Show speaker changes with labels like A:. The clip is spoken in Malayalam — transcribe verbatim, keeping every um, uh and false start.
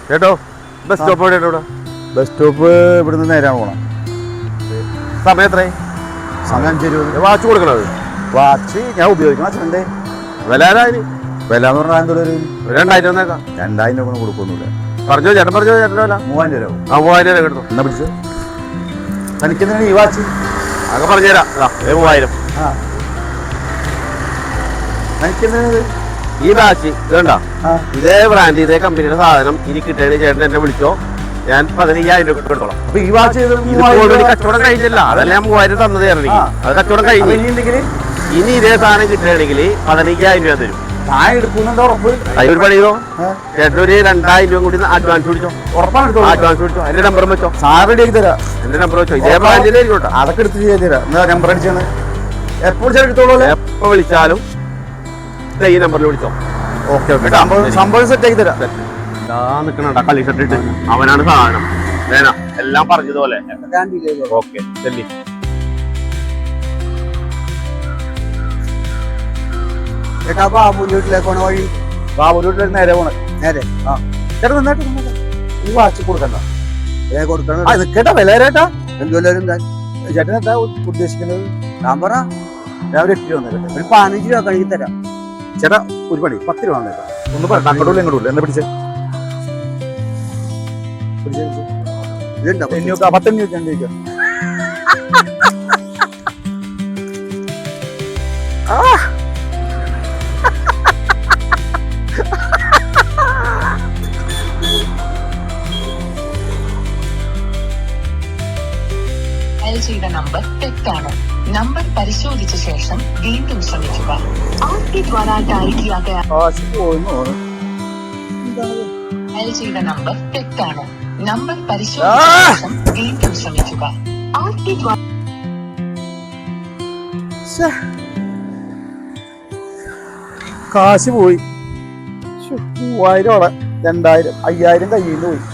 A: കേട്ടോ ബസ് സ്റ്റോപ്പ് എവിടെയാണ് ഇവിടെ?
B: ബസ് സ്റ്റോപ്പ് ഇവിടുന്ന് നേരാണ് പോകണം.
A: സമയം എത്രയായി?
B: സമയം അഞ്ച് ഇരുപത്.
A: വാച്ച് കൊടുക്കണത്?
B: വാച്ച് ഞാൻ ഉപയോഗിക്കണം അച്ഛൻ്റെ.
A: വില ആരായി?
B: വില എന്ന് പറഞ്ഞാൽ എന്തൊരു
A: രണ്ടായിരം വന്നേക്കാം.
B: രണ്ടായിരം രൂപ കൊടുക്കൊന്നുമില്ല.
A: പറഞ്ഞോ ചേട്ടൻ പറഞ്ഞോ ചേട്ടൻ വില
B: മൂവായിരം രൂപ.
A: ആ മൂവായിരം രൂപ കിട്ടും.
B: എന്നാ പിടിച്ച് തനിക്കെന്തിനാണ് ഈ വാച്ച്?
A: അങ്ങ് പറഞ്ഞുതരാം. മൂവായിരം.
B: ആ തനിക്കെന്തിനാണ്
A: ഈ വാച്ച് ഇതണ്ട? ഇതേ ബ്രാൻഡ് ഇതേ കമ്പനിയുടെ സാധനം ഇനി കിട്ടേണ്ട ചേട്ടൻ എന്നെ വിളിച്ചോ, ഞാൻ പതിനയ്യായിരം രൂപ എടുത്തോളാം.
B: അപ്പൊ ഈ വാച്ച്
A: കച്ചവടം കഴിഞ്ഞില്ല, അതല്ല ഞാൻ മൂവായിരം തന്നത് ചേട്ടൻ. അത് കച്ചവടം കഴിഞ്ഞു. ഇനി ഇതേ സാധനം കിട്ടുകയാണെങ്കിൽ പതിനയ്യായിരം രൂപ തരും.
B: ഞാൻ എടുക്കുന്നുണ്ടോ ഉറപ്പ്?
A: അതിനൊരു പണി ചെയ്തോ, ചേട്ടൻ ഒരു രണ്ടായിരം രൂപ കൂടി അഡ്വാൻസ് പിടിച്ചോ.
B: ഉറപ്പാണ് എടുത്തോ?
A: അഡ്വാൻസ് പിടിച്ചോ. എന്റെ നമ്പർ വെച്ചോ.
B: സാർ റെഡി ആക്കി തരാം.
A: എന്റെ നമ്പർ വെച്ചോ. ഇതേ ബ്രാൻഡിൽ ആയിക്കോട്ടെ.
B: അതൊക്കെ എടുത്ത് ചെയ്ത് തരാം. എന്നാ നമ്പർ അടിച്ചാണ് എപ്പോൾ എടുത്തോളൂ.
A: എപ്പോ വിളിച്ചാലും ഈ നമ്പറിൽ വിളിച്ചോ.
B: ഓക്കെ ഓക്കെ സംഭവം സെറ്റ് ആക്കി തരാം.
A: നിക്കണ കളി ഷർട്ടിട്ട് അവനാണ് സാധനം. വേണ എല്ലാം പറഞ്ഞതുപോലെ. ഓക്കെ ചെല്ലി.
B: ബാബുവിലേക്ക് പോണ വഴി. ബാബുവിലേക്ക് നേരെ പോണ നേരെ. ആ ചേട്ടാ നന്നായിട്ട് ഈ വാച്ച് കൊടുക്കണ്ട. കൊടുക്കണം കേട്ടാ. വില ചേട്ടാ എന്തുവല്ലും ചേട്ടൻ എന്താ ഉദ്ദേശിക്കുന്നത്? ഞാൻ പറ ഞാൻ ഒരു എട്ട് രൂപ വന്നേക്കട്ടെ. ഒരു പതിനഞ്ച് രൂപ കഴുകി തരാം. ചേട്ടാ ഒരു പണി പത്ത് രൂപ വന്നേക്കാം. ഒന്ന് പറ അങ്ങോട്ടുള്ള ഇങ്ങോട്ടുള്ള എന്നെ പിടിച്ചേ പിടിച്ചേ പത്തഞ്ഞൂറ്റി ഞാൻ ചോദിക്കാം.
C: ചെയ്ത നമ്പർ തെറ്റാണ്. നമ്പർ പരിശോധിച്ച ശേഷം വീണ്ടും ശ്രമിക്കുക. आपके द्वारा डायल किया गया ഡയൽ ചെയ്ത നമ്പർ തെറ്റാണ്. നമ്പർ പരിശോധിച്ച ശേഷം വീണ്ടും ശ്രമിക്കുക. आपके द्वारा
B: കാശ് പോയി. മൂവായിരം അവിടെ രണ്ടായിരം അയ്യായിരം കയ്യിൽ നിന്ന് പോയി.